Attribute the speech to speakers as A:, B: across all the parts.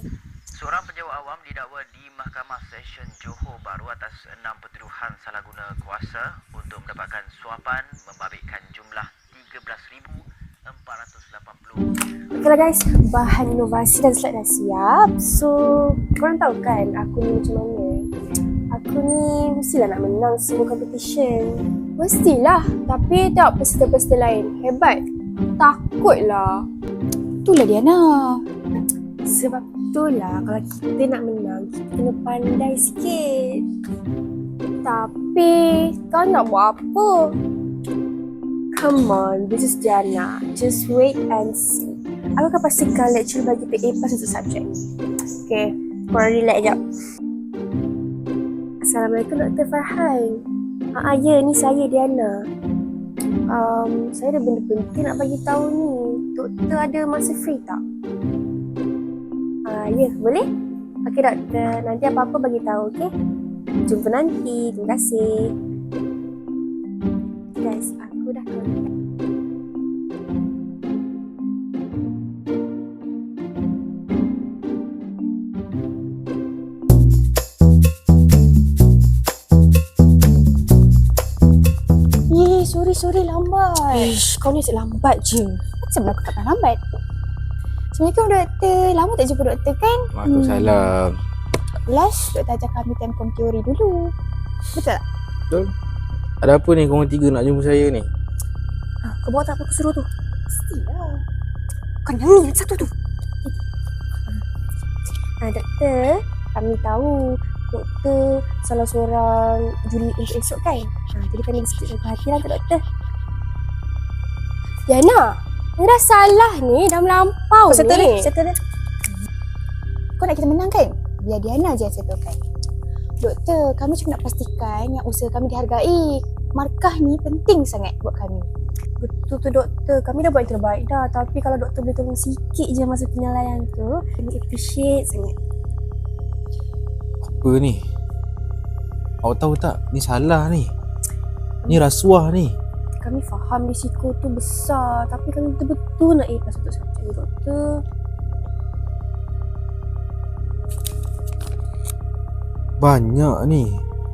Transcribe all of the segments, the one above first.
A: Seorang penjawat awam didakwa di Mahkamah Session Johor Bahru atas 6 pertuduhan salah guna kuasa untuk mendapatkan suapan membabitkan jumlah 13,480.
B: Okeylah guys, bahan inovasi dan slide dah siap. So, korang tahu kan aku ni macam mana? Aku ni mestilah nak menang semua competition. Mestilah, tapi tak peserta-peserta lain hebat. Takutlah.
C: Itulah Diana.
B: Sebab itulah kalau kita nak menang, kita kena pandai sikit. Tapi, kau nak buat apa? Come on, this is Diana. Just wait and see. Aku akan pastikan lecturer bagi kita A+ untuk subjek. Okay, korang relax sekejap. Assalamualaikum Dr. Farhan. Ya, ni saya Diana. Saya ada benda penting nak bagi tahu ni. Doktor ada masa free tak? Ya, boleh? Okey doktor, nanti apa-apa bagi tahu, okey? Jumpa nanti. Terima kasih. Guys, aku dah contact.
C: Sorry lambat.
B: Kau ni asyik lambat je.
C: Sebenarnya aku tak pernah lambat. Assalamualaikum doktor. Lama tak jumpa doktor kan?
D: Waalaikumsalam.
C: Last doktor ajak kami temkom teori dulu. Betul tak?
D: Betul. Ada apa ni korang tiga nak jumpa saya ni?
B: Kau bawa tak apa aku suruh tu?
C: Mestilah.
B: Bukan yang ni, satu tu. Doktor, kami tahu doktor salah seorang juri untuk esok kan? Jadi kami ada sikit perhatian ke doktor. Diana, ni dah salah ni, dah melampau ni.
C: Settle dia. Kau nak kita menang kan? Biar Diana je yang settlekan. Doktor, kami cuma nak pastikan yang usaha kami dihargai. Markah ni penting sangat buat kami.
B: Betul tu doktor, kami dah buat yang terbaik dah. Tapi kalau doktor boleh tolong sikit je masa penilaian tu, kami appreciate sangat.
D: Apa ni? Awak tahu tak? Ni salah ni. Ni rasuah ni.
B: Kami faham risiko tu besar, tapi kami betul-betul nak A+ untuk subjek ni doktor.
D: Banyak ni.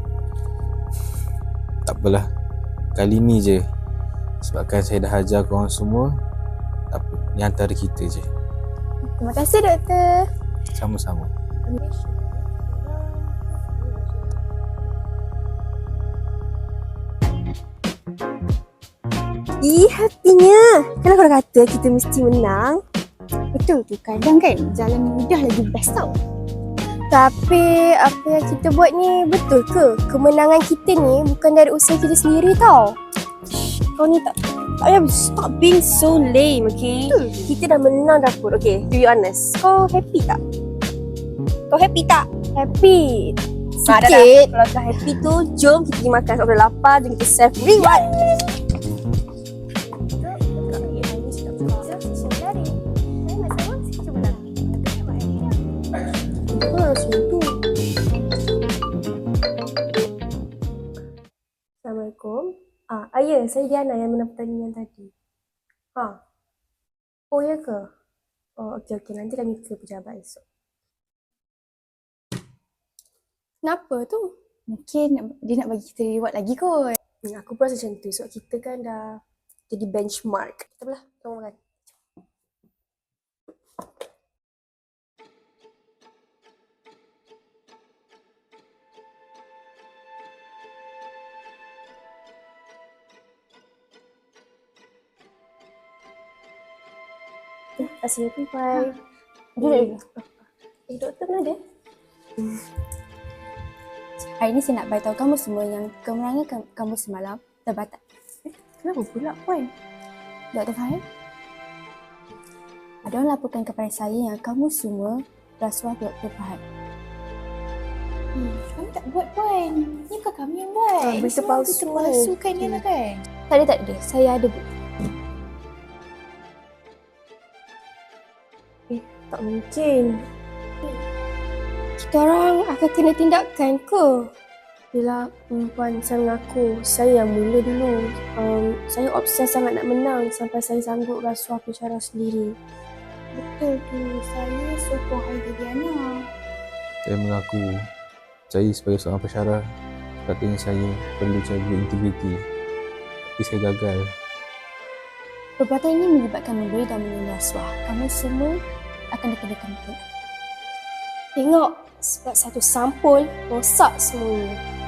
D: Tak apalah. Kali ni je. Sebabkan saya dah ajar korang semua. Tak apa. Ni antara kita je.
C: Terima kasih doktor.
D: Sama-sama.
B: Happynya. Kalau korang kata kita mesti menang.
C: Betul tu, kadang kan jalan mudah lagi best tau.
B: Tapi apa yang kita buat ni betul ke? Kemenangan kita ni bukan dari usaha kita sendiri tau. Kau ni tak payah stop being so lame, okay? Kita dah menang dah pun. Okay, to be honest, kau happy tak? Kau happy tak? Happy. Sikit. Kalau kau happy tu, jom kita pergi makan. Sebab dah lapar, jom kita self reward. Assalamualaikum. Ya, saya Diana yang menang pertandingan tadi. Oh, ya ke? Oh, okey. Nanti kami ke pejabat esok. Kenapa tu?
C: Mungkin dia nak bagi kita reward lagi kot.
B: Aku pun rasa macam tu. Sebab kita kan dah jadi benchmark. Kita belah, tolong makan. Terima kasih, Puan. Doktor mana dia?
C: Hari ni saya nak beritahu kamu semua yang kemenangan kamu semalam terbatal.
B: Kenapa pula, Puan?
C: Dr. Fahim, ada orang laporkan kepada saya yang kamu semua rasuah Dr. Fahim. Kami tak buat Puan. Ni bukan kami yang buat.
B: Berita palsu.
C: Berita palsu kan Diana kan?
B: Tak ada. Saya ada bukti. Tak mungkin. Kita orang akan kena tindakan ke? Yelah, Puan, saya mengaku saya yang mula dulu. Saya obses sangat nak menang sampai saya sanggup rasuah pensyarah sendiri.
C: Betul tu. Saya sokong idea Diana.
D: Saya mengaku saya sebagai seorang pensyarah katanya saya perlu jaga integriti. Tapi saya gagal.
C: Perbuatan ini melibatkan memberi dan menerima rasuah. Kamu semua akan dikenakan hukuman.
B: Tengok, sebab satu sampul rosak semuanya.